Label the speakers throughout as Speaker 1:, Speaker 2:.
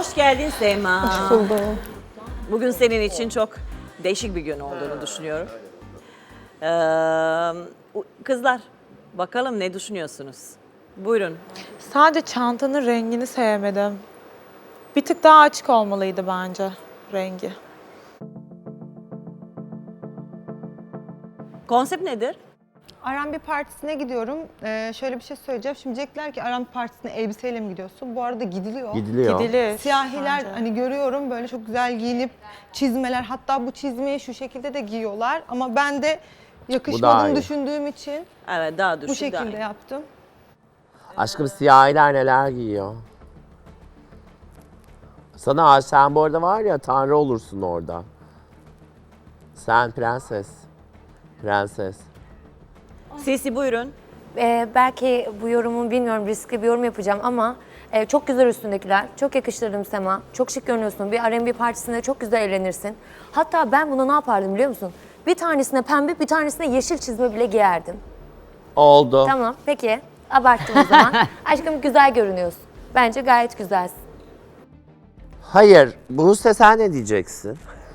Speaker 1: Hoş geldin Sema.
Speaker 2: Hoş buldum.
Speaker 1: Bugün senin için çok değişik bir gün olduğunu düşünüyorum. Kızlar, bakalım ne düşünüyorsunuz? Buyurun.
Speaker 2: Sadece çantanın rengini sevmedim. Bir tık daha açık olmalıydı bence rengi.
Speaker 1: Konsept nedir?
Speaker 3: R&B partisine gidiyorum. Şöyle bir şey söyleyeceğim. Şimdi diyecekler ki R&B partisine elbiseyle mi gidiyorsun? Bu arada gidiliyor.
Speaker 4: Gidiliyor.
Speaker 2: Gidilir.
Speaker 3: Siyahiler
Speaker 2: bence.
Speaker 3: hani görüyorum böyle çok güzel giyinip çizmeler, hatta bu çizmeyi şu şekilde de giyiyorlar ama ben de
Speaker 4: daha
Speaker 3: yakışmadığını
Speaker 4: iyi.
Speaker 3: düşündüğüm için
Speaker 1: Evet, daha düşük.
Speaker 3: bu şekilde
Speaker 1: daha iyi.
Speaker 3: yaptım.
Speaker 4: Aşkım siyahiler neler giyiyor. Sana sen bu arada var ya tanrı olursun orada. Sen prenses. Prenses.
Speaker 1: Sisi buyurun.
Speaker 5: Belki bu yorumu bilmiyorum, riskli bir yorum yapacağım ama çok güzel üstündekiler. Çok yakıştırdım Sema. Çok şık görünüyorsun. Bir R&B partisinde çok güzel eğlenirsin. Hatta ben buna ne yapardım biliyor musun? Bir tanesine pembe, bir tanesine yeşil çizme bile giyerdim.
Speaker 4: Oldu.
Speaker 5: Tamam, peki. Abarttım o zaman. Aşkım güzel görünüyorsun. Bence gayet güzelsin.
Speaker 4: Hayır. Buse sen ne diyeceksin?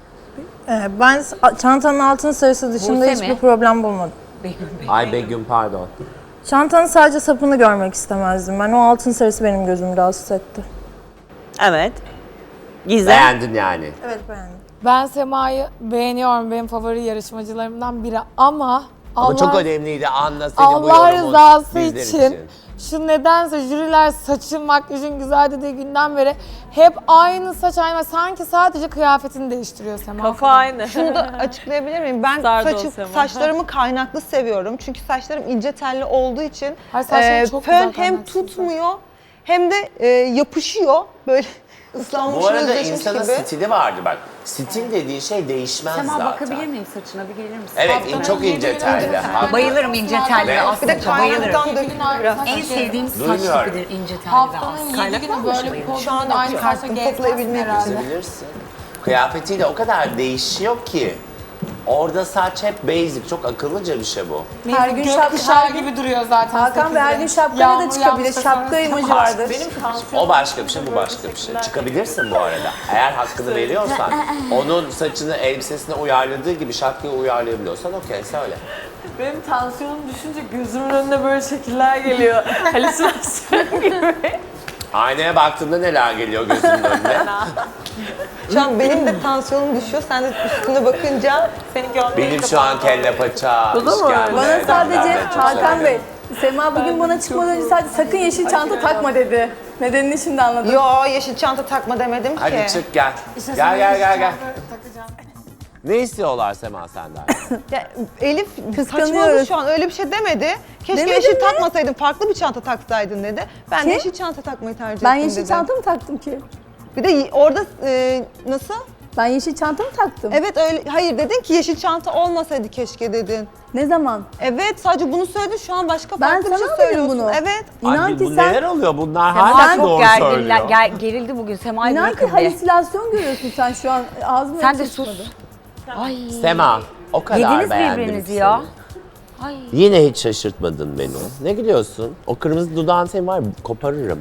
Speaker 6: Ben çantanın altın sarısı dışında
Speaker 1: Buse
Speaker 6: hiçbir
Speaker 1: mi?
Speaker 6: problem bulmadım.
Speaker 4: Ay Begüm pardon.
Speaker 6: Çantanın sadece sapını görmek istemezdim. Ben o altın sarısı benim gözümü rahatsız etti.
Speaker 1: Evet. Gizem.
Speaker 4: Beğendin yani.
Speaker 6: Evet beğendim.
Speaker 7: Ben Sema'yı beğeniyorum. Benim favori yarışmacılarımdan biri ama
Speaker 4: Ama çok
Speaker 7: Allah,
Speaker 4: önemliydi anla senin bu
Speaker 7: Allah
Speaker 4: yorumun
Speaker 7: rızası
Speaker 4: bizler
Speaker 7: için şu nedense jüriler saçın makyajın güzel dediği günden beri hep aynı saç aynı. Sanki sadece kıyafetini değiştiriyor Sema.
Speaker 1: Kafa aynı.
Speaker 3: Şunu da açıklayabilir miyim? Ben
Speaker 1: Sardı o Sema.
Speaker 3: saçlarımı kaynaklı seviyorum. Çünkü saçlarım ince telli olduğu için
Speaker 7: Hayır, saçların çok
Speaker 3: fön
Speaker 7: güzel
Speaker 3: hem
Speaker 7: kaynaksız
Speaker 3: tutmuyor hem de yapışıyor. Böyle ıslanmış,
Speaker 4: Bu arada
Speaker 3: özleşmiş
Speaker 4: insanın
Speaker 3: gibi.
Speaker 4: stili vardı bak. Stil dediğin şey değişmez
Speaker 8: Sema
Speaker 4: zaten.
Speaker 8: bakabilir miyim saçına bir gelir misin?
Speaker 4: Evet çok ince telli.
Speaker 8: Bayılırım ince telli
Speaker 4: Evet.
Speaker 3: Bir de
Speaker 8: aslında bayılırım.
Speaker 3: kaynaktan dökülür biraz.
Speaker 8: En sevdiğim saç
Speaker 4: Duymuyorum.
Speaker 8: tipidir ince telli ve
Speaker 7: Haftanın
Speaker 8: az.
Speaker 7: 7 günü böyle bir
Speaker 3: Şu an
Speaker 7: podyumda aynı saçla
Speaker 3: çıkarttım,
Speaker 7: gezmezsin
Speaker 3: toplayabilmek
Speaker 7: herhalde.
Speaker 4: Çizebilirsin. Kıyafetiyle o kadar değişiyor ki. Orada saç hep basic. Çok akıllıca bir şey bu.
Speaker 6: Her gün
Speaker 7: Gökkuşağı gibi duruyor zaten.
Speaker 6: Hakan Bey her gün
Speaker 7: 8'de.
Speaker 6: şapkayla da
Speaker 7: Yağmur
Speaker 6: çıkabilir.
Speaker 7: yağmışsa
Speaker 6: Şapka
Speaker 7: sonra-
Speaker 6: imajı vardır.
Speaker 4: O başka bir şey, bu başka bir şey. Çıkabilirsin bu arada. Eğer hakkını veriyorsan, onun saçını elbisesine uyarladığı gibi şapkayı uyarlayabiliyorsan okey söyle.
Speaker 9: Benim tansiyonum düşünce gözümün önüne böyle şekiller geliyor. Halüsinasyon gibi.
Speaker 4: Aynaya baktığında neler geliyor gözünün önüne?
Speaker 3: Şu an benim de tansiyonum düşüyor. Sen de üstüne bakınca
Speaker 4: Benim şu an kelle paça, işkembe.
Speaker 6: Bana sadece
Speaker 4: ben çok
Speaker 6: Hakan
Speaker 4: severim.
Speaker 6: Bey, Sema bugün bana çıkmadan önce sadece sakın yeşil çanta takma dedi. Nedenini şimdi anladım.
Speaker 3: yo yeşil çanta takma demedim ki.
Speaker 4: Hadi çık gel. Gel. Ne istiyorlar Sema senden?
Speaker 3: Ya, Elif saçmaladı
Speaker 6: Kıskanıyoruz.
Speaker 3: şu an, öyle bir şey demedi. Keşke
Speaker 6: Demedin
Speaker 3: yeşil
Speaker 6: mi?
Speaker 3: takmasaydın, farklı bir çanta taksaydın dedi. Ben de
Speaker 6: Ki?
Speaker 3: yeşil çanta takmayı tercih
Speaker 6: Ben
Speaker 3: ettim
Speaker 6: yeşil
Speaker 3: dedi.
Speaker 6: çanta mı taktım ki?
Speaker 3: Bir de orada nasıl?
Speaker 6: Ben yeşil çanta mı taktım?
Speaker 3: Evet öyle, hayır dedin ki yeşil çanta olmasaydı keşke dedin.
Speaker 6: Ne zaman?
Speaker 3: Evet sadece bunu söyledin, şu an başka
Speaker 6: Ben
Speaker 3: farklı bir şey
Speaker 6: sana dedim
Speaker 3: söylüyorsun.
Speaker 6: bunu.
Speaker 3: Evet.
Speaker 6: İnan
Speaker 4: Ay,
Speaker 6: ki
Speaker 4: bu
Speaker 6: sen
Speaker 4: neler oluyor? Bunlar
Speaker 8: Sema
Speaker 4: hala
Speaker 8: çok
Speaker 4: doğru
Speaker 8: gerginler,
Speaker 4: söylüyor.
Speaker 8: gerildi bugün. Sema'yı
Speaker 6: İnan ki
Speaker 8: bırakın bir.
Speaker 6: halüsinasyon görüyorsun sen şu an. Ağzım
Speaker 8: Sen de
Speaker 6: açık
Speaker 8: sus.
Speaker 6: çıkmadı.
Speaker 8: Ay.
Speaker 4: Sema, o kadar
Speaker 8: Yediniz
Speaker 4: beğendim
Speaker 8: birbirinizi
Speaker 4: ki
Speaker 8: ya.
Speaker 4: seni.
Speaker 8: Ay.
Speaker 4: Yine hiç şaşırtmadın beni. Ne gülüyorsun? O kırmızı dudağın senin var ya, koparırım.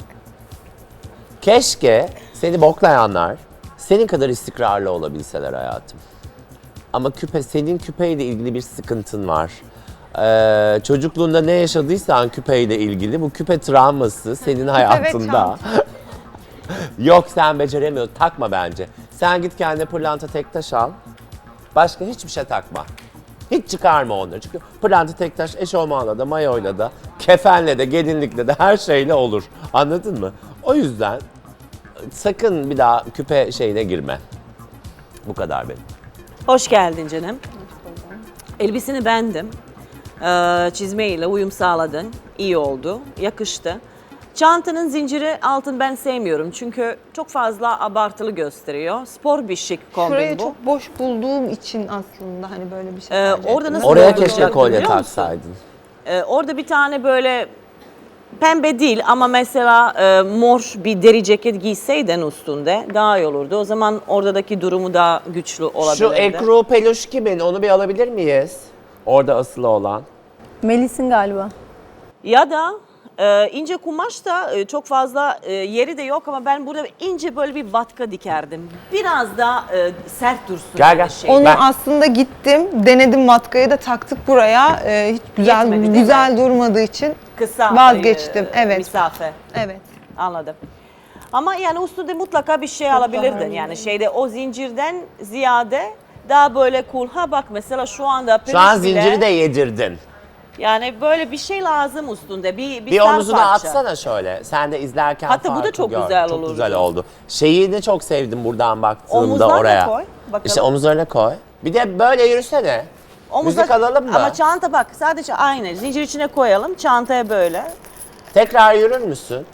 Speaker 4: Keşke seni boklayanlar senin kadar istikrarlı olabilseler hayatım. Ama senin küpeyle ilgili bir sıkıntın var. Çocukluğunda ne yaşadıysan küpeyle ilgili bu küpe travması senin hayatında. Yok sen beceremiyorsun. Takma bence. Sen git kendine pırlanta tek taş al. Başka hiçbir şey takma. Hiç çıkarma onları. Çünkü pırlanta tek taş eşofmanla da, mayoyla da, kefenle de, gelinlikle de her şeyle olur. Anladın mı? O yüzden sakın bir daha küpe şeyine girme. Bu kadar benim.
Speaker 1: Hoş geldin canım. Elbisini beğendim. Çizmeyle uyum sağladın. İyi oldu. Yakıştı. Çantanın zinciri altın ben sevmiyorum. Çünkü çok fazla abartılı gösteriyor. Spor bir şık kombin
Speaker 3: Şurayı
Speaker 1: bu.
Speaker 3: çok boş bulduğum için aslında hani böyle bir şey tercih
Speaker 1: orada
Speaker 3: ettim.
Speaker 1: nasıl
Speaker 4: Oraya
Speaker 1: olacak
Speaker 4: keşke kolye
Speaker 1: biliyor musun?
Speaker 4: taksaydın.
Speaker 1: Orada bir tane böyle pembe değil ama mesela mor bir deri ceket giyseydin üstünde daha iyi olurdu. O zaman oradaki durumu daha güçlü olabilirdi.
Speaker 4: Şu ekru peluş kimin? Onu bir alabilir miyiz? Orada asılı olan.
Speaker 6: Melis'in galiba.
Speaker 1: Ya da ince kumaş da çok fazla yeri de yok ama ben burada ince böyle bir vatka dikerdim. Biraz daha sert dursun.
Speaker 4: Gel,
Speaker 1: yani
Speaker 4: gel.
Speaker 1: şey.
Speaker 3: Onu
Speaker 4: Ben-
Speaker 3: aslında gittim, denedim vatkayı da taktık buraya. Hiç
Speaker 1: Yetmedi, değil
Speaker 3: güzel durmadığı için
Speaker 1: Kısa
Speaker 3: vazgeçtim. Evet.
Speaker 1: mesafe.
Speaker 3: Evet.
Speaker 1: Anladım. Ama yani üstünde mutlaka bir şey alabilirdin. Yani şeyde o zincirden ziyade daha böyle cool. Ha bak mesela şu anda
Speaker 4: Şu an
Speaker 1: peluş bile-
Speaker 4: zinciri de yedirdin.
Speaker 1: Yani böyle bir şey lazım üstünde. Bir
Speaker 4: Bir
Speaker 1: sar
Speaker 4: omzunu
Speaker 1: parça.
Speaker 4: atsana şöyle. Sen de izlerken
Speaker 1: Hatta bu da
Speaker 4: farkı
Speaker 1: çok
Speaker 4: gör.
Speaker 1: güzel
Speaker 4: Çok
Speaker 1: olurdu.
Speaker 4: güzel oldu. Şeyi de çok sevdim buradan baktığımda
Speaker 1: Omuzlarına
Speaker 4: oraya.
Speaker 1: koy, bakalım.
Speaker 4: İşte omuzlarına koy. Bir de böyle yürüsene. Müzik alalım mı?
Speaker 1: Ama çanta bak sadece aynı. Zincir içine koyalım. Çantaya böyle.
Speaker 4: Tekrar yürür müsün?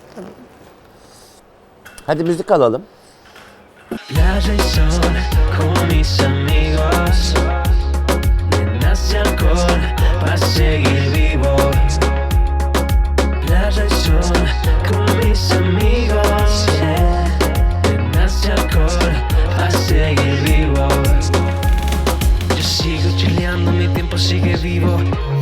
Speaker 4: Hadi müzik alalım.
Speaker 10: Playa y sol con mis amigos. Nenas y alcohol para seguir vivo. Playa y sol con mis amigos. Yeah. Nenas y alcohol para seguir vivo. Yo sigo chileando, mi tiempo sigue vivo.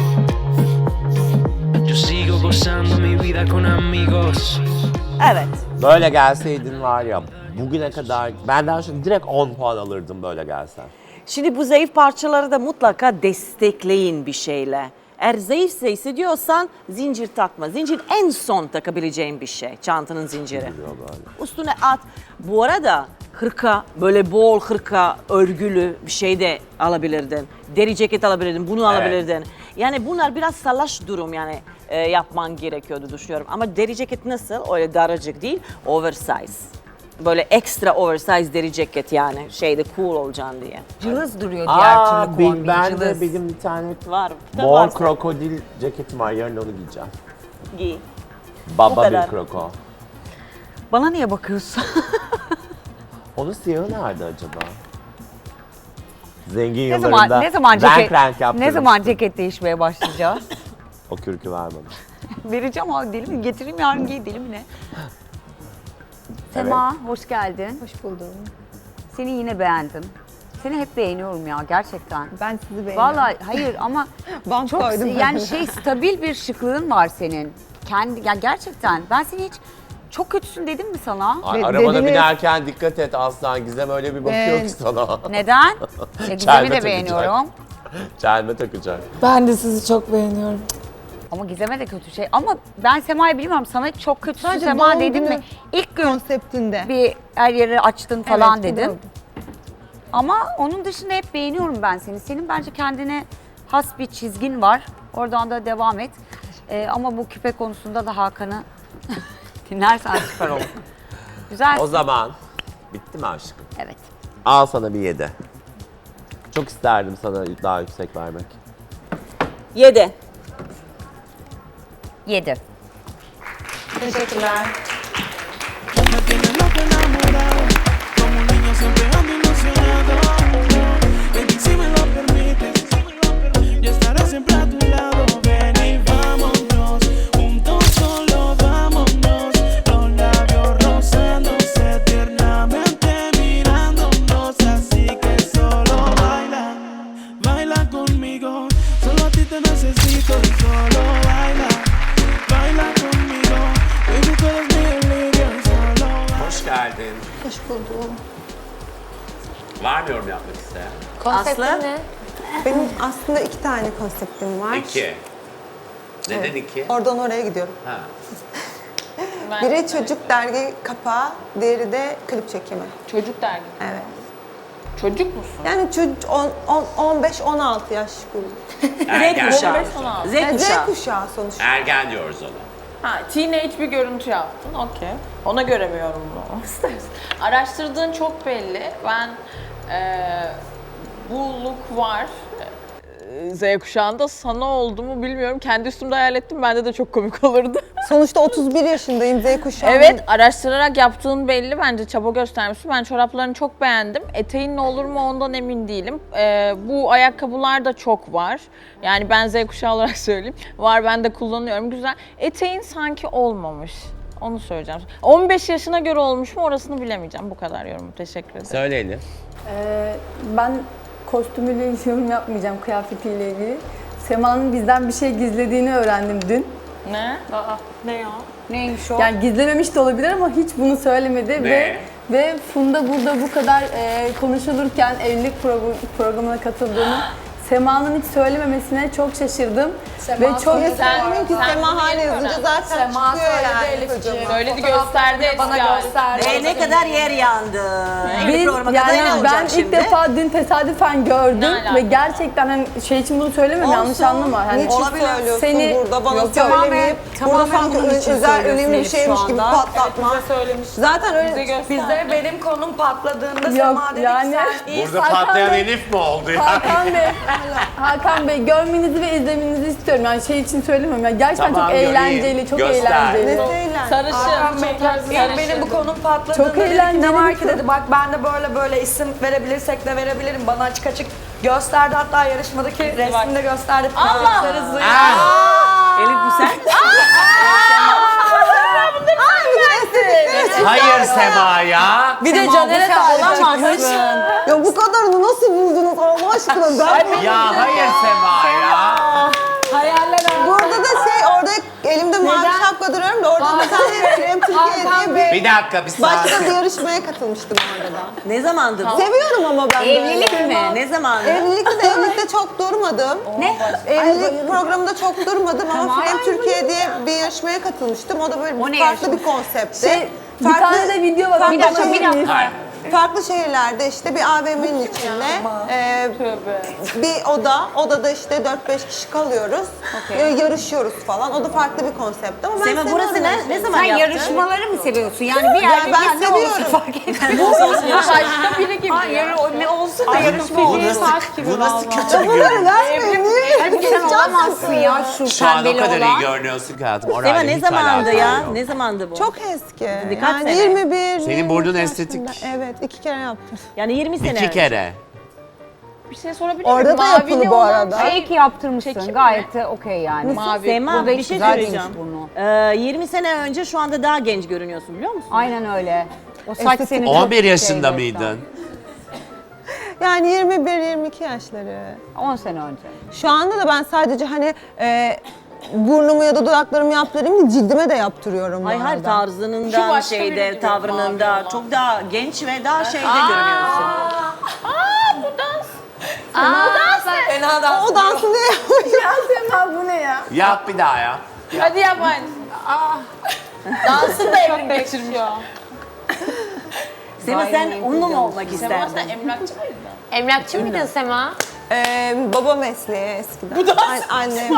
Speaker 10: Yo sigo gozando mi vida con amigos.
Speaker 1: Evet.
Speaker 4: Böyle gelseydin var ya bugüne kadar benden şimdi direkt 10 puan alırdım böyle gelsen.
Speaker 1: Şimdi bu zayıf parçaları da mutlaka destekleyin bir şeyle. Eğer zayıfsa hissediyorsan zincir takma. Zincir en son takabileceğin bir şey. Çantanın zinciri. Üstüne at. Bu arada hırka, böyle bol hırka, örgülü bir şey de alabilirdin. Deri ceket alabilirdin, bunu alabilirdin. Yani bunlar biraz salaş durum yani yapman gerekiyordu düşünüyorum. Ama deri ceket nasıl? Öyle daracık değil, oversize. Böyle ekstra oversize deri ceket yani şeyde cool olacaksın diye.
Speaker 8: Cılız duruyor diğer türlü kombin.
Speaker 4: Ben de
Speaker 8: Cılız.
Speaker 4: benim bir tane
Speaker 1: Var.
Speaker 4: mor
Speaker 1: varsa
Speaker 4: krokodil ceketim var yarın onu giyeceğim.
Speaker 1: giy.
Speaker 4: Baba
Speaker 1: kadar.
Speaker 4: bir kroko.
Speaker 8: Bana niye bakıyorsun?
Speaker 4: Onun siyahı nerede acaba? Zengin
Speaker 8: ne
Speaker 4: yıllarında
Speaker 8: zaman
Speaker 4: renk
Speaker 8: ceket
Speaker 4: renk yaptırmıştım.
Speaker 8: ne zaman ceket değişmeye başlayacağız?
Speaker 4: O kürkü ver bana.
Speaker 8: Vereceğim abi, deli mi? Getireyim yarın giy, deli mi ne? Sema hoş geldin.
Speaker 3: Hoş buldum.
Speaker 8: Seni yine beğendim. Seni hep beğeniyorum ya gerçekten.
Speaker 3: Ben sizi beğeniyorum.
Speaker 8: Vallahi hayır ama
Speaker 3: Bant
Speaker 8: çok
Speaker 3: koydum ben
Speaker 8: yani
Speaker 3: de.
Speaker 8: stabil bir şıklığın var senin. Kendi yani gerçekten ben seni hiç çok kötüsün dedim mi sana?
Speaker 4: Ay,
Speaker 3: Ve
Speaker 4: arabana
Speaker 3: dediniz-
Speaker 4: binerken dikkat et Aslan. Gizem öyle bir bakıyor ki sana.
Speaker 8: Neden? Gizem'i
Speaker 4: Çelme
Speaker 8: de beğeniyorum.
Speaker 4: Çelme takacak.
Speaker 7: Ben de sizi çok beğeniyorum.
Speaker 8: Ama Gizem'e de kötü şey. Ama ben Sema'yı bilmiyorum. Sana çok kötüsün
Speaker 3: Sadece
Speaker 8: Sema
Speaker 3: doğum
Speaker 8: dedim mi?
Speaker 3: günü
Speaker 8: İlk gün
Speaker 3: konseptinde.
Speaker 8: bir her yeri açtın falan
Speaker 3: Evet,
Speaker 8: dedim.
Speaker 3: doğru.
Speaker 8: Ama onun dışında hep beğeniyorum ben seni. Senin bence kendine has bir çizgin var. Oradan da devam et. Ama bu küpe konusunda da Hakan'ı dinlersen süper olur. Güzel.
Speaker 4: O zaman bitti mi aşkım?
Speaker 8: Evet.
Speaker 4: Al sana bir 7. Çok isterdim sana daha yüksek vermek.
Speaker 1: 7.
Speaker 8: 7.
Speaker 3: Teşekkürler.
Speaker 10: Me tienes loco enamorado, como un niño siempre ando ilusionado. Baby, si me lo permites, yo estaré siempre a tu lado. Ven y vámonos, juntos solo vámonos. Los labios rozándose tiernamente mirándonos. Así que solo baila, baila conmigo. Solo a ti te necesito y solo baila, baila conmigo. Baby, tú eres mi delirio, solo baila.
Speaker 4: Hoş geldin.
Speaker 3: Hoş buldum.
Speaker 4: Var mı yorum yapmak isteyen?
Speaker 5: Konseptin
Speaker 1: Aslı?
Speaker 5: ne?
Speaker 3: Benim aslında 2 tane konseptim var.
Speaker 4: 2. Neden 2?
Speaker 3: Oradan oraya gidiyorum.
Speaker 4: Ha.
Speaker 3: Biri çocuk dergi kapağı, diğeri de klip çekimi.
Speaker 9: Çocuk dergi.
Speaker 3: Evet.
Speaker 9: Çocuk musun?
Speaker 3: Yani çocuk 15-16 yaş grubu.
Speaker 1: Z kuşağı.
Speaker 9: 15-16.
Speaker 1: Z
Speaker 3: Yani Z
Speaker 1: kuşağı.
Speaker 3: kuşağı sonuçta.
Speaker 4: Ergen diyoruz ona.
Speaker 9: Ha, teenage bir görüntü yaptın, okey. Ona göre mi yorumlamak istersin? Araştırdığın çok belli. Ben bu look var. Z kuşağında sana oldu mu bilmiyorum. Kendi üstümde hayal ettim. Bende de çok komik olurdu.
Speaker 3: Sonuçta 31 yaşındayım, Z kuşağı.
Speaker 9: Evet, araştırarak yaptığın belli. Bence çaba göstermişsin. Ben çoraplarını çok beğendim. Eteğin ne olur mu ondan emin değilim. Bu ayakkabılar da çok var. Yani ben Z kuşağı olarak söyleyeyim. Var, ben de kullanıyorum. Güzel. Eteğin sanki olmamış. Onu söyleyeceğim. 15 yaşına göre olmuş mu orasını bilemeyeceğim. Bu kadar yorum. Teşekkür ederim.
Speaker 4: Söyle Elif.
Speaker 6: Ben kostümüyle hiç yorum yapmayacağım, kıyafetiyle ilgili. Sema'nın bizden bir şey gizlediğini öğrendim dün.
Speaker 9: Ne?
Speaker 2: Ne ya?
Speaker 8: Neymiş o?
Speaker 6: Yani gizlememiş de olabilir ama hiç bunu söylemedi ve Funda burada bu kadar konuşulurken evlilik programına katıldığını Sema'nın hiç söylememesine çok şaşırdım. Ve çok
Speaker 3: Söylemeyin ki Sema hala yazınca zaten
Speaker 6: Sema
Speaker 3: çıkıyor
Speaker 6: söyledi
Speaker 3: yani.
Speaker 6: Elif'ciğim.
Speaker 9: Söyledi, gösterdi
Speaker 6: Bana
Speaker 9: eski
Speaker 6: gösterdi.
Speaker 1: Ne kadar yer yandı. Evlilik programa kadar ne
Speaker 6: Yani
Speaker 1: olacak
Speaker 6: ben
Speaker 1: şimdi?
Speaker 6: ilk defa dün tesadüfen gördüm
Speaker 9: Ne alaka?
Speaker 6: ve gerçekten hani şey için bunu söylemem yanlış anlama. Hani
Speaker 3: Niçin söylüyorsun
Speaker 6: seni
Speaker 3: burada bana
Speaker 6: yok,
Speaker 3: söylemeyip burada
Speaker 1: tamamen
Speaker 3: sanki
Speaker 1: bunun için
Speaker 3: özel
Speaker 1: söylüyorsun
Speaker 3: önemli bir
Speaker 1: Elif
Speaker 3: şeymiş
Speaker 1: şu
Speaker 3: gibi
Speaker 1: anda.
Speaker 3: patlatma.
Speaker 2: Söylemiş.
Speaker 3: Zaten öyle
Speaker 7: Bizde benim konum patladığında
Speaker 6: yok
Speaker 7: Sema dedi
Speaker 6: yani.
Speaker 7: ki sen
Speaker 4: Burada
Speaker 6: Hakan
Speaker 4: patlayan
Speaker 6: Bey-
Speaker 4: Elif mi oldu ya?
Speaker 6: Hakan Bey görmenizi ve izlemenizi istiyorum. Yani şey için söylemiyorum. Yani gerçekten
Speaker 4: Tamam,
Speaker 6: çok
Speaker 4: göreyim.
Speaker 6: eğlenceli, çok
Speaker 4: Göster.
Speaker 6: eğlenceli.
Speaker 9: Sarışın.
Speaker 7: benim bu konum patladığında
Speaker 6: Çok
Speaker 7: dedi ki,
Speaker 6: eğlenceli
Speaker 7: ne var
Speaker 6: bir
Speaker 7: ki
Speaker 6: kız.
Speaker 7: dedi bak ben de böyle isim verebilirsek de verebilirim. Bana açık açık gösterdi, hatta yarışmadaki resmini de gösterdi.
Speaker 9: Allah!
Speaker 1: Elif bu sen?
Speaker 4: Hayır Sema ya.
Speaker 7: Bir de Caner'e talip çıkmış.
Speaker 3: Ya bu kadarını nasıl buldunuz Allah aşkına? Ben
Speaker 4: Ya hayır Sema ya.
Speaker 3: burada da orada elimde mavi şapka duruyorum da orada bir tane Krem Türkiye diye
Speaker 4: Bir dakika bir
Speaker 3: başka
Speaker 4: saniye.
Speaker 3: bir yarışmaya katılmıştım orada da.
Speaker 1: Ne zamandı bu?
Speaker 3: Seviyorum ama ben
Speaker 1: Evlilik
Speaker 3: böyle.
Speaker 1: mi? Ne zamandı?
Speaker 3: Evlilikte çok durmadım. Ne? Evlilik programında çok durmadım ama Krem Türkiye diye bir yarışmaya katılmıştım. O da böyle farklı bir konseptti.
Speaker 6: Bir tane de video var.
Speaker 3: farklı
Speaker 6: Bir dakika.
Speaker 4: Hayır.
Speaker 3: Farklı şehirlerde işte bir AVM'nin içinde bir odada işte 4-5 kişi kalıyoruz, yarışıyoruz falan. O da farklı bir konsept ama ben
Speaker 1: Sema burası
Speaker 3: seviyorum
Speaker 1: ne
Speaker 3: yani.
Speaker 1: zaman
Speaker 8: Sen
Speaker 1: yaptın?
Speaker 8: yarışmaları mı seviyorsun? Yani bir
Speaker 3: Ya
Speaker 8: yerde
Speaker 3: ben
Speaker 8: ne olursa
Speaker 3: seviyorum.
Speaker 8: fark etmez.
Speaker 9: Başka biri gibi.
Speaker 8: Hayır o ne olsun da yarışma olur.
Speaker 4: Bu nasıl kötü bir görüntü?
Speaker 8: Halbuki sen olamazsın ya
Speaker 4: Şu an o
Speaker 8: pembeli
Speaker 4: kadar iyi
Speaker 8: olan.
Speaker 4: görünüyorsun ki hayatım.
Speaker 1: Sema
Speaker 4: Orayla
Speaker 1: ne
Speaker 4: hiç
Speaker 1: zamandı
Speaker 4: alakam
Speaker 1: ya?
Speaker 4: yok.
Speaker 1: Ne zamandı bu?
Speaker 3: Çok eski.
Speaker 1: Kaç
Speaker 3: Yani
Speaker 1: sene?
Speaker 3: 21.
Speaker 4: Senin burnun
Speaker 3: 22
Speaker 4: estetik.
Speaker 3: yaşında. Evet, 2 kere yaptım.
Speaker 1: Yani 20 sene
Speaker 4: İki
Speaker 1: önce.
Speaker 4: kere.
Speaker 9: Bir şey sorabilir
Speaker 3: Orada
Speaker 9: miyim?
Speaker 3: da
Speaker 9: Mavili
Speaker 3: yapılı bu
Speaker 9: olan
Speaker 3: arada.
Speaker 9: şey-
Speaker 8: İyi ki yaptırmışsın.
Speaker 9: Çekim
Speaker 8: Gayet de okey yani.
Speaker 9: Mavi.
Speaker 1: Sema
Speaker 8: Burada
Speaker 1: bir
Speaker 8: hiç
Speaker 1: şey
Speaker 8: güzel
Speaker 1: söyleyeceğim.
Speaker 8: değilmiş burnu.
Speaker 1: 20 sene önce şu anda daha genç görünüyorsun biliyor musun?
Speaker 8: Aynen öyle. O saç senin çok
Speaker 4: 11 yaşında
Speaker 8: şeydi şu an.
Speaker 4: mıydın?
Speaker 3: Yani 21-22 yaşları.
Speaker 8: 10 sene önce.
Speaker 3: Şu anda da ben sadece hani burnumu ya da dudaklarımı yaptırayım değil, cildime de yaptırıyorum bu
Speaker 1: Hayır hayır
Speaker 3: arada.
Speaker 9: Şu
Speaker 1: tarzınından
Speaker 9: başka biri
Speaker 1: şeyde
Speaker 9: gibi,
Speaker 1: tavrınında
Speaker 9: mavi olan.
Speaker 1: çok daha genç ve daha şeyde görünüyorsun.
Speaker 7: Fena dans.
Speaker 3: O dansı ne yapıyor?
Speaker 7: Sema bu ne ya?
Speaker 4: Yap bir daha ya.
Speaker 9: Hadi yap aynı.
Speaker 7: Dansın da evrim geçirmiş.
Speaker 1: Sema sen onunla mı olmak
Speaker 9: Sema
Speaker 1: isterdin?
Speaker 9: sen emlakçı mıydın?
Speaker 5: Emlakçı mıydın Sema?
Speaker 3: Baba mesleği eskiden. Annem.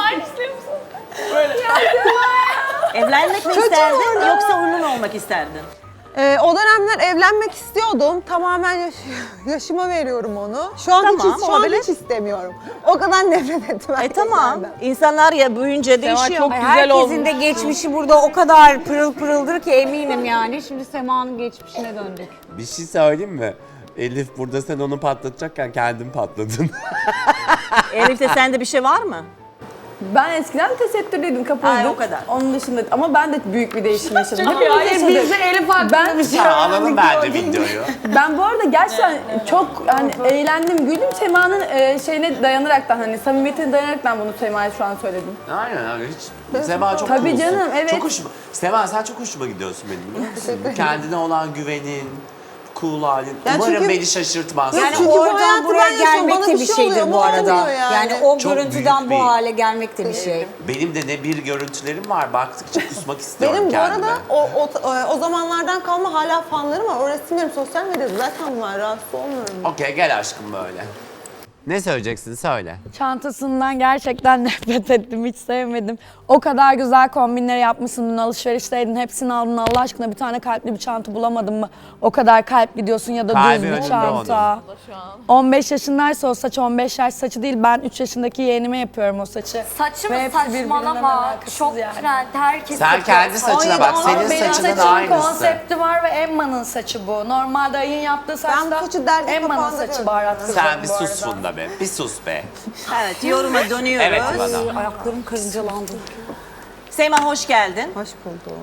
Speaker 1: Evlenmek mi isterdin yoksa onunla mı olmak isterdin?
Speaker 3: O dönemler evlenmek istiyordum. Tamamen yaşıma veriyorum onu. Şu an
Speaker 1: Tamam,
Speaker 3: şu an
Speaker 1: olabilir.
Speaker 3: hiç istemiyorum. O kadar nefret ettim.
Speaker 1: Tamam. İnsanlar ya büyüyünce değişiyor.
Speaker 9: çok güzel
Speaker 8: Herkesin
Speaker 9: olmuş.
Speaker 8: de geçmişi burada o kadar pırıl pırıldır ki eminim yani. Şimdi Sema'nın geçmişine döndük.
Speaker 4: Bir şey söyleyeyim mi? Elif burada sen onu patlatacakken kendin patladın.
Speaker 1: Elif'te sende bir şey var mı?
Speaker 6: Ben eskiden tesettürlüydüm, kapalıydım.
Speaker 1: Ay, o kadar.
Speaker 6: Onun dışında ama ben de büyük bir değişim yaşadım.
Speaker 7: Hayır bizde Elif hakkında
Speaker 4: Ya alalım bence videoyu.
Speaker 6: Ben bu arada gerçekten çok hani eğlendim, güldüm. Sema'nın şeyine dayanaraktan hani samimiyetine dayanaraktan bunu Sema'ya şu an söyledim.
Speaker 4: Aynen öyle hiç. Sema çok
Speaker 6: Tabii
Speaker 4: coolsun.
Speaker 6: canım, evet.
Speaker 4: Çok hoşuma. Sema sen çok hoşuma gidiyorsun benim biliyor musun? Kendine olan güvenin, cool halin.
Speaker 3: Ya
Speaker 4: Umarım
Speaker 3: çünkü-
Speaker 4: beni şaşırtmaz.
Speaker 3: Yani
Speaker 8: Yani
Speaker 3: bu
Speaker 8: oradan
Speaker 3: hayatı
Speaker 8: buraya
Speaker 3: ben yaşıyorum,
Speaker 8: gelmek
Speaker 3: bana
Speaker 8: de
Speaker 3: bir
Speaker 8: bir
Speaker 3: şey
Speaker 8: şeydir
Speaker 3: oluyor,
Speaker 8: bu arada.
Speaker 3: olmuyor yani.
Speaker 8: o
Speaker 4: Çok
Speaker 8: görüntüden
Speaker 4: büyük
Speaker 8: bu
Speaker 4: bir-
Speaker 8: hale gelmek de bir şey.
Speaker 4: Benim de ne bir görüntülerim var. Baktıkça kusmak istiyorum
Speaker 3: Benim bu
Speaker 4: kendime.
Speaker 3: arada o zamanlardan kalma hala fanlarım var. O resimlerim sosyal medyada zaten var. Rahatsız olmuyorum.
Speaker 4: Okey gel aşkım böyle. Ne söyleyeceksin söyle.
Speaker 7: Çantasından gerçekten nefret ettim, hiç sevmedim. O kadar güzel kombinler yapmışsın, dün alışverişteydin, hepsini aldın. Allah aşkına bir tane kalpli bir çanta bulamadın mı? O kadar kalpli diyorsun ya da
Speaker 4: Kalbi
Speaker 7: düz bir
Speaker 4: önünde
Speaker 7: çanta. 15 yaşındaysa o saç 15 yaş saçı değil. Ben 3 yaşındaki yeğenime yapıyorum o saçı.
Speaker 5: Saçı
Speaker 7: Ve
Speaker 5: mı
Speaker 7: hepsi birbirinden
Speaker 5: saçmalama.
Speaker 7: alakasız
Speaker 5: Çok
Speaker 7: yani.
Speaker 5: trend. Herkes
Speaker 4: Sen
Speaker 5: yapıyor.
Speaker 4: kendi saçına bak. Senin
Speaker 7: Benim
Speaker 4: saçının
Speaker 7: saçımın
Speaker 4: aynısı.
Speaker 7: konsepti var ve Emma'nın saçı bu. Normalde Ay'ın yaptığı
Speaker 3: bu
Speaker 7: saçta
Speaker 3: saçı derdik
Speaker 7: Emma'nın
Speaker 3: kapağında
Speaker 7: saçı
Speaker 3: gördüm.
Speaker 7: baharat kızı
Speaker 4: Sen bir
Speaker 7: bu
Speaker 4: sus
Speaker 7: arada.
Speaker 4: Funda be. Bir sus be.
Speaker 1: Evet yoruma dönüyoruz.
Speaker 4: Evet bana.
Speaker 8: Ayaklarım karıncalandı.
Speaker 1: Sema hoş geldin.
Speaker 3: Hoş buldum.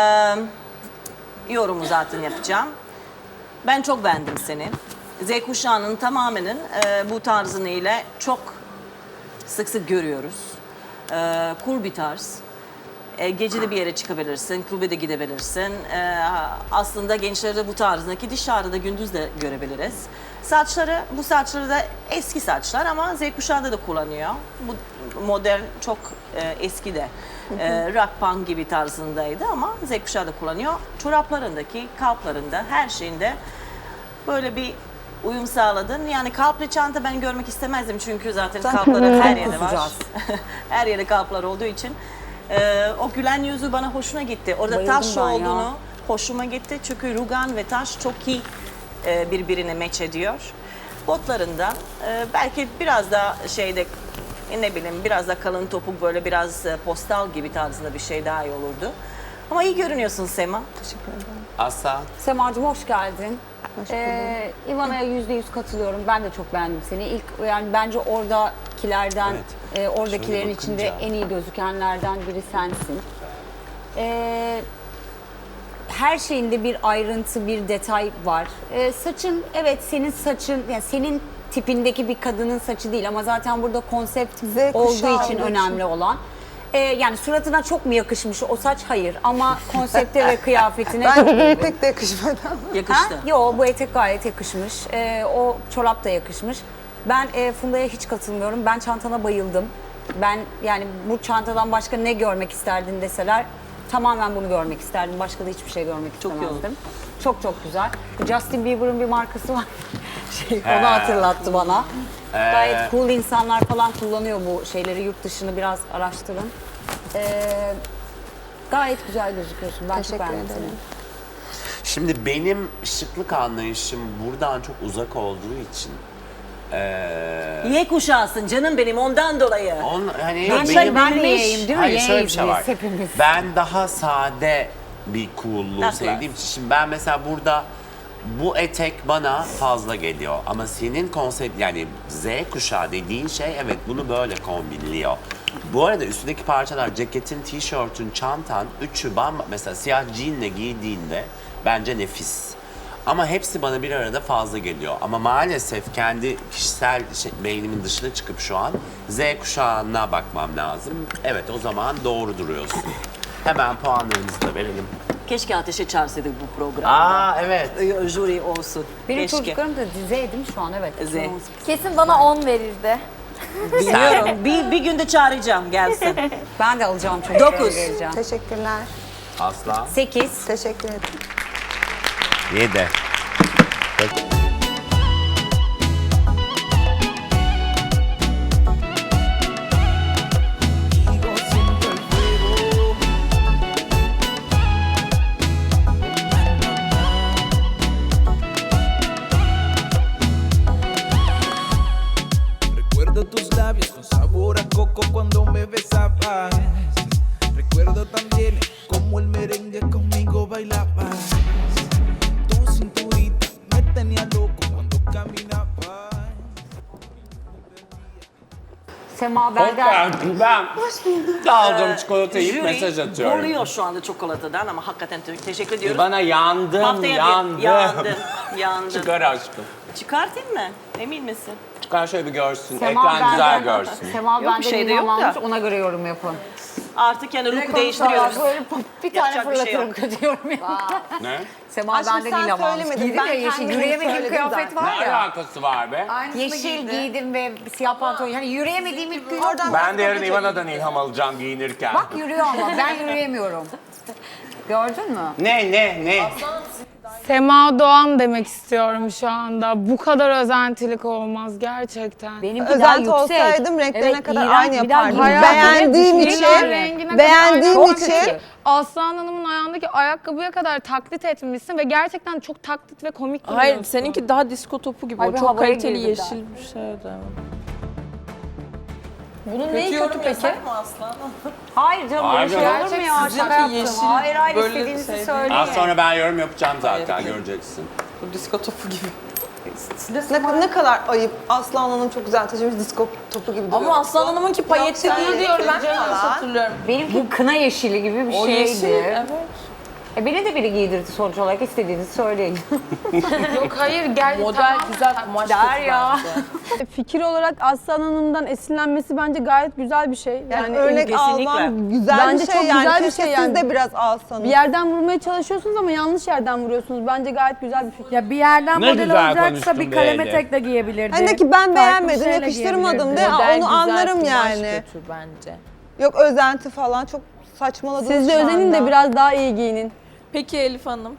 Speaker 1: Yorumu zaten yapacağım. Ben çok beğendim seni. Z kuşağının tamamının bu tarzını ile çok sık sık görüyoruz. Cool bir tarz. Gece bir yere çıkabilirsin, klube de gidebilirsin. Aslında gençleri bu tarzdaki dışarıda gündüz de görebiliriz. Bu saçları da eski saçlar ama Z kuşağı da kullanıyor. Bu modern çok eski de. Rock punk gibi tarzındaydı ama Z kuşağı da kullanıyor. Çoraplarındaki, kalplarında, her şeyinde böyle bir uyum sağladın. Yani kalpli çanta ben görmek istemezdim çünkü zaten kalpları her yerde var. Her yerde kalplar olduğu için. O gülen yüzü bana hoşuna gitti. Orada
Speaker 8: Bayıldım
Speaker 1: taş
Speaker 8: ben ya.
Speaker 1: olduğunu hoşuma gitti. Çünkü rugan ve taş çok iyi birbirine match ediyor. Botlarından belki biraz da ne bileyim biraz da kalın topuk böyle biraz postal gibi tarzında bir şey daha iyi olurdu. Ama iyi görünüyorsun Sema.
Speaker 4: Asla.
Speaker 8: Semacığım hoş geldin. İvana'ya %100 katılıyorum. Ben de çok beğendim seni. İlk yani bence oradakilerden, oradakilerin
Speaker 4: Şöyle
Speaker 8: içinde
Speaker 4: bakınca.
Speaker 8: en iyi gözükenlerden biri sensin. Her şeyinde bir ayrıntı, bir detay var. Saçın, evet senin saçın, yani senin tipindeki bir kadının saçı değil ama zaten burada konsept
Speaker 3: kuşağı
Speaker 8: olduğu için
Speaker 3: olduğu için.
Speaker 8: önemli olan. Yani suratına çok mu yakışmış o saç? Hayır. Ama konsepte ve kıyafetine çok
Speaker 3: Ben
Speaker 8: uygun.
Speaker 3: pek de yakışmadı.
Speaker 1: Yakıştı.
Speaker 8: Ha? Yo, bu etek gayet yakışmış. O çorap da yakışmış. Ben Funda'ya hiç katılmıyorum. Ben çantana bayıldım. Ben yani bu çantadan başka ne görmek isterdin deseler tamamen bunu görmek isterdim. Başka da hiçbir şey görmek
Speaker 1: Çok iyi
Speaker 8: istemezdim. Çok çok güzel. Justin Bieber'ın bir markası var. Onu hatırlattı bana. Gayet cool insanlar falan kullanıyor bu şeyleri. Yurt dışını biraz araştırın. Gayet güzel gözüküyorsun. Ben çok beğendim seni.
Speaker 4: Şimdi benim şıklık anlayışım buradan çok uzak olduğu için
Speaker 1: Y kuşağısın canım benim ondan dolayı.
Speaker 4: hani
Speaker 8: Ben de yiyeyim değil mi?
Speaker 4: Hayır şöyle bir şey var.
Speaker 8: Yeğiz hepimiz.
Speaker 4: Ben daha sade bir cool'luğu
Speaker 1: That's
Speaker 4: sevdiğim için. Şimdi ben mesela burada bu etek bana fazla geliyor. Ama senin konsept yani Z kuşağı dediğin şey evet bunu böyle kombinliyor. Bu arada üstündeki parçalar ceketin, tişörtün, çantan üçü mesela siyah jeanle giydiğinde bence nefis. Ama hepsi bana bir arada fazla geliyor. Ama maalesef kendi kişisel beynimin dışına çıkıp şu an Z kuşağına bakmam lazım. Evet o zaman doğru duruyorsun. Hemen puanlarımızı da verelim.
Speaker 1: Keşke Ateş'e çağırsaydık bu programda.
Speaker 4: Aa evet.
Speaker 1: Jüri olsun.
Speaker 8: Benim
Speaker 1: Keşke.
Speaker 8: çocuklarım da Z değil mi şu an? Evet.
Speaker 1: Z.
Speaker 7: Kesin bana 10 verirdi.
Speaker 1: Biliyorum. bir günde çağıracağım gelsin.
Speaker 8: Ben de alacağım çocuklarımı
Speaker 1: 9.
Speaker 8: vereceğim.
Speaker 3: Teşekkürler.
Speaker 4: Aslan.
Speaker 8: 8.
Speaker 3: Teşekkür ederim.
Speaker 4: 7.
Speaker 10: Sigo siendo el fuego. Recuerdo tus labios con sabor a coco cuando me besabas. Recuerdo también cómo el merengue conmigo bailabas. Tu cinturita me tenía loco cuando caminabas.
Speaker 8: Sema Belden.
Speaker 4: Ben aldım çikolatayı yiyip mesaj
Speaker 1: Jüri
Speaker 4: atıyorum.
Speaker 1: boruyor şu anda çikolatadan ama hakikaten teşekkür ediyoruz.
Speaker 4: Bana yandım, yandım.
Speaker 1: Yandın.
Speaker 4: Çıkar aşkım.
Speaker 1: Çıkartayım mı? Emin misin?
Speaker 4: Çıkar şöyle bir görsün.
Speaker 8: Sema
Speaker 4: Ekran güzel
Speaker 8: benden-
Speaker 4: görsün.
Speaker 8: Sema
Speaker 1: Yok, bir
Speaker 8: benden
Speaker 1: şey de
Speaker 8: ilham
Speaker 1: yok da.
Speaker 8: almış, ona göre yorum yapın.
Speaker 1: Artık yani look değiştiriyoruz.
Speaker 8: Böyle bir tane
Speaker 1: Yapacak bir şey
Speaker 8: fırlatırım
Speaker 1: yok.
Speaker 8: kötü yorum yapın.
Speaker 4: Ne?
Speaker 8: Sema
Speaker 3: Aşkım
Speaker 8: benden
Speaker 3: sen
Speaker 8: ilham almış.
Speaker 3: söylemedin,
Speaker 8: Giydim
Speaker 3: ben
Speaker 8: ya yeşil,
Speaker 3: kendim
Speaker 8: yürüyemediğim
Speaker 3: söyledim
Speaker 8: kıyafet
Speaker 3: zaten.
Speaker 8: var
Speaker 4: Ne
Speaker 8: ya.
Speaker 4: alakası var be?
Speaker 8: Yeşil giydim ve siyah pantolon. Yani yürüyemediğim ilk gün.
Speaker 3: Oradan
Speaker 4: Ben de yarın Ivana'dan ilham alacağım giyinirken.
Speaker 8: Bak yürüyor ama ben yürüyemiyorum. Gördün mü?
Speaker 4: Ne?
Speaker 2: Sema Doğan demek istiyorum şu anda. Bu kadar özentilik olmaz gerçekten.
Speaker 8: Benimki daha
Speaker 3: Özenti
Speaker 8: yüksek.
Speaker 3: olsaydım renklerine
Speaker 8: Evet,
Speaker 3: kadar
Speaker 8: iğrenç,
Speaker 3: aynı
Speaker 8: bir daha
Speaker 3: yapardım.
Speaker 8: giyeceğim.
Speaker 3: Beğendiğim
Speaker 8: Hayatımda
Speaker 3: için,
Speaker 8: hiçbir
Speaker 2: rengine
Speaker 3: beğendiğim
Speaker 2: kadar
Speaker 3: için
Speaker 2: aynı. Aslan Hanım'ın ayağındaki ayakkabıya kadar taklit etmişsin ve gerçekten çok taklit ve komik duruyorsun.
Speaker 9: Hayır seninki daha disko topu gibi.
Speaker 8: Ay,
Speaker 9: O
Speaker 8: bir
Speaker 9: çok
Speaker 8: havaya
Speaker 9: kaliteli
Speaker 8: girdim
Speaker 9: yeşil bir şeydi.
Speaker 2: Bunun neyi kötü peki?
Speaker 8: Hayır canım böyle
Speaker 4: Hayır
Speaker 8: şey
Speaker 4: canım.
Speaker 8: olur mu ya?
Speaker 9: Sizinki
Speaker 8: Şaka yaptım.
Speaker 9: yeşil,
Speaker 8: Hayır hayır
Speaker 9: böyle
Speaker 8: istediğinizi
Speaker 9: sevdiğim-
Speaker 8: söyleyin.
Speaker 4: Az sonra ben yorum yapacağım zaten göreceksin.
Speaker 9: Bu disko topu gibi.
Speaker 3: ne kadar ayıp. Aslan Hanım çok güzel taşımış disko topu gibi duruyor.
Speaker 9: Ama Aslan Hanım'ınki payetli
Speaker 3: Yoksa
Speaker 9: değil diyorum ben.
Speaker 3: falan.
Speaker 9: Yanlış hatırlıyorum.
Speaker 8: Benimki kına yeşili gibi bir
Speaker 9: O
Speaker 8: şeydi.
Speaker 9: yeşil, evet.
Speaker 8: Beni de biri giydirdi sonuç olarak, istediğinizi söyleyin.
Speaker 2: Yok hayır gel.
Speaker 9: Model güzel kumaş
Speaker 8: Der ya.
Speaker 6: Fikir olarak Aslan Hanım'dan esinlenmesi bence gayet güzel bir şey.
Speaker 3: Yani örnek
Speaker 1: kesinlikle.
Speaker 3: alman güzel
Speaker 6: Bence
Speaker 3: bir şey
Speaker 6: çok
Speaker 3: yani.
Speaker 6: güzel bir
Speaker 3: Keşke
Speaker 6: şey
Speaker 3: siz
Speaker 6: yani.
Speaker 3: de biraz alsanız.
Speaker 6: Bir yerden vurmaya çalışıyorsunuz ama yanlış yerden vuruyorsunuz. Bence gayet güzel bir fikir.
Speaker 7: Ya bir yerden
Speaker 4: Ne
Speaker 7: model
Speaker 4: güzel
Speaker 7: olacaksa
Speaker 4: konuştun
Speaker 7: bir
Speaker 4: be
Speaker 7: kalem
Speaker 4: Elif.
Speaker 7: etek de giyebilirdi.
Speaker 3: Hani ki ben
Speaker 7: Farklı bir
Speaker 3: beğenmedim,
Speaker 7: şeyle
Speaker 3: yakıştırmadım
Speaker 7: giyebilirdi.
Speaker 3: de
Speaker 1: Model
Speaker 3: onu anlarım
Speaker 1: kumaş
Speaker 3: yani.
Speaker 1: kötü bence.
Speaker 3: Yok özenti falan çok saçmaladınız
Speaker 6: Siz de
Speaker 3: şu
Speaker 6: özenin de
Speaker 3: anda.
Speaker 6: biraz daha iyi giyinin.
Speaker 9: Peki Elif Hanım?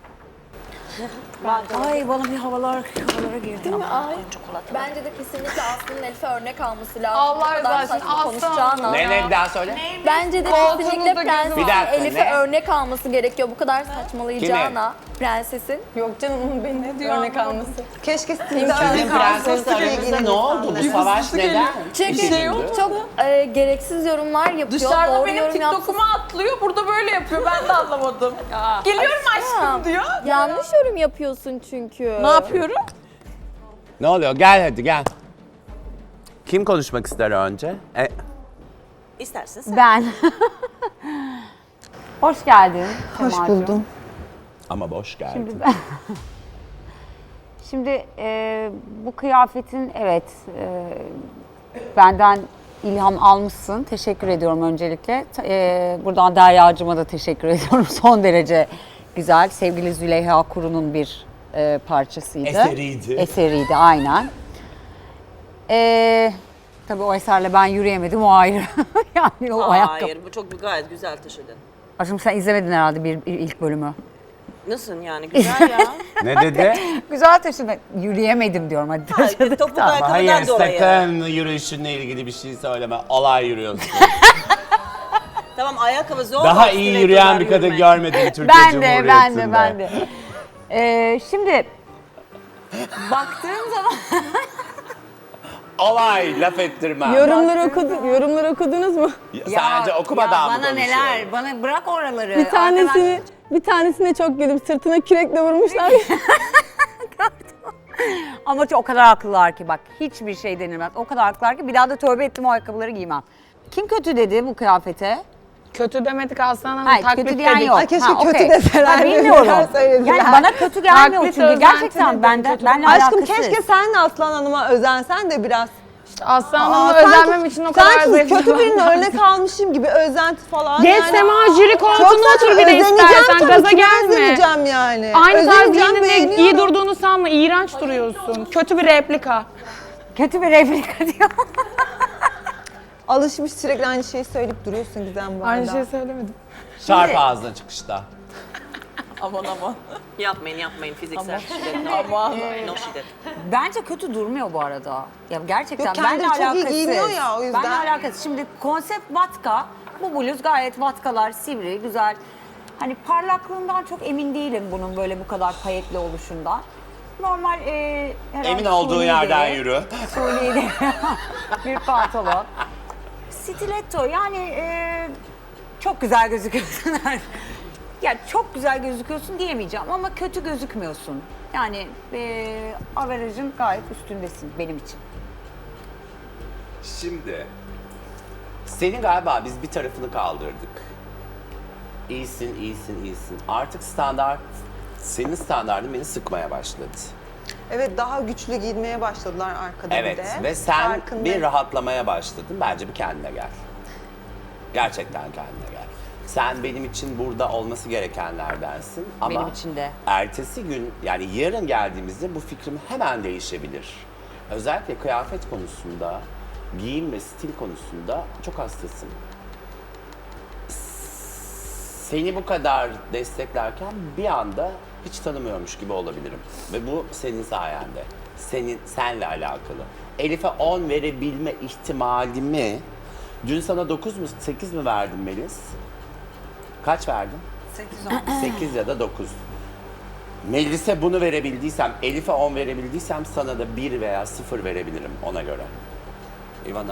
Speaker 8: Ay bana bir havalara girdi.
Speaker 11: Bence de kesinlikle Aslı'nın Elif'e örnek alması lazım.
Speaker 2: Allah
Speaker 11: Bu kadar
Speaker 2: razı olsun,
Speaker 11: saçma
Speaker 2: Aslı
Speaker 11: konuşacağına.
Speaker 4: Ne bir daha söyle.
Speaker 11: Bence de
Speaker 2: Koltuğunuzda
Speaker 11: kesinlikle
Speaker 2: gözüm-
Speaker 11: prensesin
Speaker 4: Bir dakika,
Speaker 11: Elif'e
Speaker 4: ne?
Speaker 11: örnek alması gerekiyor. Bu kadar saçmalayacağına prensesin.
Speaker 6: Yok canım onun beni örnek alması.
Speaker 3: Keşke siz de
Speaker 4: Sizin
Speaker 3: örnek
Speaker 4: prenses
Speaker 3: alsanız
Speaker 4: aranızda ne oldu? Bu savaş neden?
Speaker 11: Çünkü çok gereksiz yorumlar yapıyor.
Speaker 9: Dışarıda
Speaker 11: Doğru
Speaker 9: benim
Speaker 11: yorum yapsın.
Speaker 9: TikTok'uma atlıyor, burada böyle yapıyor. Ben de anlamadım. Geliyorum aşkım diyor.
Speaker 11: Yanlış yorum yapıyorsun çünkü.
Speaker 9: Ne yapıyorum?
Speaker 4: Ne oluyor? Gel hadi gel. Kim konuşmak ister önce?
Speaker 1: İstersen sen.
Speaker 8: Ben. Hoş geldin.
Speaker 3: Hoş
Speaker 8: Semacığım.
Speaker 3: buldum.
Speaker 4: Ama boş geldin.
Speaker 8: Şimdi bu kıyafetin benden ilham almışsın. Teşekkür ediyorum öncelikle. Buradan Derya'cığıma da teşekkür ediyorum. Son derece güzel. Sevgili Züleyha Kuru'nun bir parçasıydı.
Speaker 4: Eseriydi.
Speaker 8: Eseriydi aynen. Tabii o eserle ben yürüyemedim, o ayrı. Yani o ayakkabı.
Speaker 1: Hayır, bu çok gayet güzel taşıdın.
Speaker 8: Aşkım sen izlemedin herhalde bir ilk bölümü.
Speaker 1: Nasıl yani? Güzel ya.
Speaker 4: Ne dedi?
Speaker 8: Güzel taşıdın. Yürüyemedim diyorum hadi.
Speaker 1: Hayır, topuk ayakkabıdan
Speaker 4: Hayır
Speaker 1: dolayı.
Speaker 4: sakın yürüyüşünle ilgili bir şey söyleme. Olay yürüyorsun.
Speaker 1: Tamam ayakkabı zor.
Speaker 4: Daha iyi yürüyen bir kadın görmedim Türkiye Cumhuriyeti'nde.
Speaker 8: Ben de. Şimdi baktığım zaman
Speaker 4: Olay laf ettirmem.
Speaker 6: Yorumları okudunuz mu?
Speaker 4: Sadece okumadan mı
Speaker 8: bana
Speaker 4: konuşuyorum?
Speaker 8: neler, bana bırak oraları.
Speaker 6: Bir tanesine çok güldüm. Sırtına kürekle vurmuşlar.
Speaker 8: Ama o kadar haklılar ki bak, hiçbir şey denilmez. O kadar haklılar ki bir daha da tövbe ettim, o ayakkabıları giymem. Kim kötü dedi bu kıyafete?
Speaker 2: Kötü demedik Aslan Hanım.
Speaker 8: Hayır,
Speaker 2: taklit
Speaker 8: kötü diyen
Speaker 2: dedik.
Speaker 8: yok.
Speaker 3: Ay, keşke kötü
Speaker 8: okey.
Speaker 3: deselerdi.
Speaker 8: Bilmiyorum.
Speaker 3: Neler söylediler.
Speaker 8: Yani bana kötü gelmiyor
Speaker 2: Taklit
Speaker 8: çünkü
Speaker 2: özenti
Speaker 8: gerçekten
Speaker 2: dedim,
Speaker 8: benle
Speaker 2: kötü.
Speaker 8: alakasız.
Speaker 3: Aşkım keşke sen de Aslan Hanım'a özensen de biraz.
Speaker 2: Aslan Hanım'a özenmem için o kadar
Speaker 3: sanki
Speaker 2: zayıf.
Speaker 3: kötü birine örnek almışım gibi özenti falan.
Speaker 2: Geç Sema, jüri koltuğuna otur bir de istersen, gaza gelme.
Speaker 3: Özeneceğim yani.
Speaker 2: Aynı tarz
Speaker 3: Özeneceğim,
Speaker 2: giyininde
Speaker 3: beğeniyorum.
Speaker 2: iyi durduğunu sanma. İğrenç duruyorsun. Kötü bir replika.
Speaker 8: Kötü bir replika diyor.
Speaker 3: Alışmış sürekli aynı şeyi söyleyip duruyorsun Gizem bu arada.
Speaker 2: Aynı şey söylemedim.
Speaker 4: Çarp ağzına çıkışta.
Speaker 9: Aman aman.
Speaker 1: Yapmayın fiziksel şiddet.
Speaker 9: Aman.
Speaker 1: No şiddet.
Speaker 8: Bence kötü durmuyor bu arada. Ya gerçekten
Speaker 3: Yok, kendileri
Speaker 8: benle
Speaker 3: çok iyi
Speaker 8: alakasız.
Speaker 3: giyiniyor ya, o yüzden.
Speaker 8: Benle alakasız. Şimdi konsept vatka. Bu bluz gayet vatkalar, sivri, güzel. Hani parlaklığından çok emin değilim bunun böyle bu kadar payetli oluşundan. Normal herhalde
Speaker 4: Emin olduğu
Speaker 8: suni
Speaker 4: yerden
Speaker 8: deri,
Speaker 4: yürü.
Speaker 8: suni deri bir pantolon. Stiletto yani çok güzel gözüküyorsun. Ya çok güzel gözüküyorsun diyemeyeceğim ama kötü gözükmüyorsun. Yani averajın gayet üstündesin benim için.
Speaker 4: Şimdi senin galiba biz bir tarafını kaldırdık. İyisin. Artık senin standardın beni sıkmaya başladı.
Speaker 3: Evet daha güçlü giyinmeye başladılar arkada
Speaker 4: Evet
Speaker 3: bir de.
Speaker 4: ve sen
Speaker 3: Farkındayım.
Speaker 4: bir rahatlamaya başladın. Bence bir kendine gel. Gerçekten kendine gel. Sen benim için burada olması gerekenlerdensin ama
Speaker 8: Benim için de.
Speaker 4: ertesi gün yani yarın geldiğimizde bu fikrim hemen değişebilir. Özellikle kıyafet konusunda, giyim ve stil konusunda çok hastasın. Seni bu kadar desteklerken bir anda hiç tanımıyormuş gibi olabilirim. Ve bu senin sayende. Senle alakalı. Elif'e 10 verebilme ihtimalimi dün sana 9 mu 8 mi verdim Melis? Kaç verdin? 8 ya da 9. Melis'e bunu verebildiysem, Elif'e 10 verebildiysem sana da 1 veya 0 verebilirim ona göre. Ivana.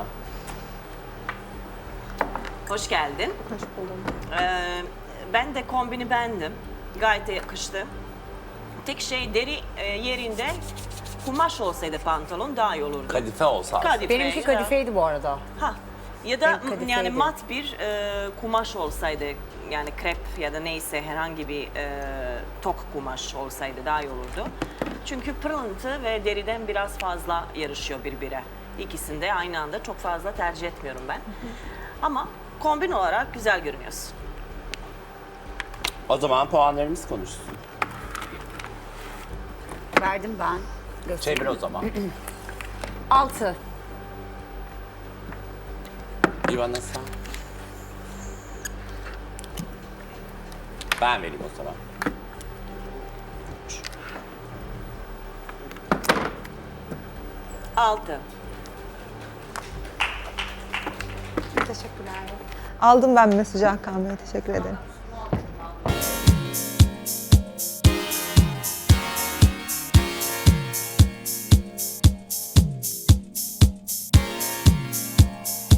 Speaker 1: Hoş geldin.
Speaker 3: Hoş buldum.
Speaker 1: Ben de kombini beğendim. Gayet de yakıştı. Tek şey deri yerinde kumaş olsaydı pantolon daha iyi olurdu.
Speaker 4: Kadife olsa.
Speaker 1: Kadife,
Speaker 8: Benimki kadifeydi bu arada.
Speaker 1: Ha. Ya da
Speaker 8: Benim kadifeydi.
Speaker 1: yani mat bir kumaş olsaydı yani krep ya da neyse herhangi bir tok kumaş olsaydı daha iyi olurdu. Çünkü pırıntı ve deriden biraz fazla yarışıyor birbirine. İkisini de aynı anda çok fazla tercih etmiyorum ben. Ama kombin olarak güzel görünüyorsun.
Speaker 4: O zaman puanlarımız konuşsun.
Speaker 8: Verdim ben.
Speaker 4: Çevir o zaman.
Speaker 8: 6.
Speaker 4: İvana sen. Ben vereyim o zaman.
Speaker 1: 6.
Speaker 3: Teşekkürler. Aldım ben mesajı Hakan Bey. Teşekkür ederim.